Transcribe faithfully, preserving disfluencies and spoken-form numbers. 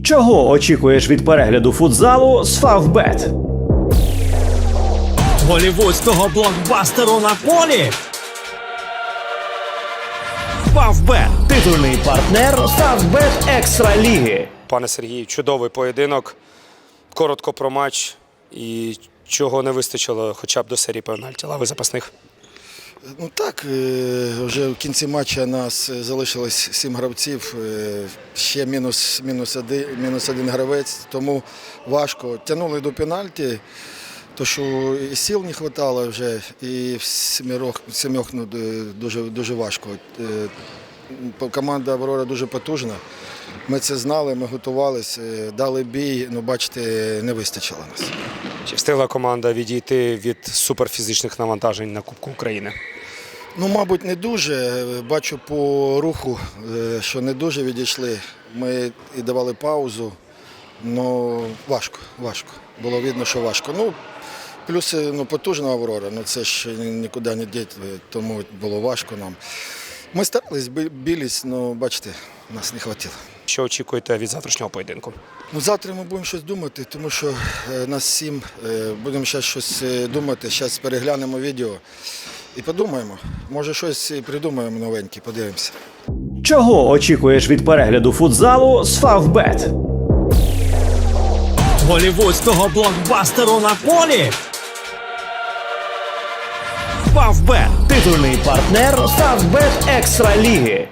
Чого очікуєш від перегляду футзалу з Фавбет? Голівудського блокбастеру на полі. Фавбет – Титульний партнер Фавбет Екстра Ліги. Пане Сергію, чудовий поєдинок. Коротко про матч і чого не вистачило хоча б до серії пенальті. Лави запасних. Ну так, е, вже в кінці матчу нас залишилось сім гравців, е, ще мінус, мінус, один, мінус один гравець, тому важко. Тягнули до пенальті, то що і сил не вистачало вже, і в сімерох, сімьох ну, дуже, дуже важко. Е, Команда «Аврора» дуже потужна, ми це знали, ми готувалися, дали бій, ну бачите, не вистачило нас. Чи встигла команда відійти від суперфізичних навантажень на Кубку України? Ну, мабуть, не дуже. Бачу по руху, що не дуже відійшли. Ми і давали паузу, але важко, важко. Було видно, що важко. Ну, плюс ну, потужна «Аврора», ну це ж нікуди не діти, тому було важко нам. Ми старались, білись, але, бачите, нас не вистачило. Що очікуєте від завтрашнього поєдинку? Ну, завтра ми будемо щось думати, тому що е, нас сім, е, будемо зараз щось думати, зараз переглянемо відео і подумаємо. Може щось і придумаємо новеньке, подивимося. Чого очікуєш від перегляду футзалу з Фавбет? голівудського блокбастеру на полі. Фавбет – Титульний партнер Фавбет Екстра Ліги.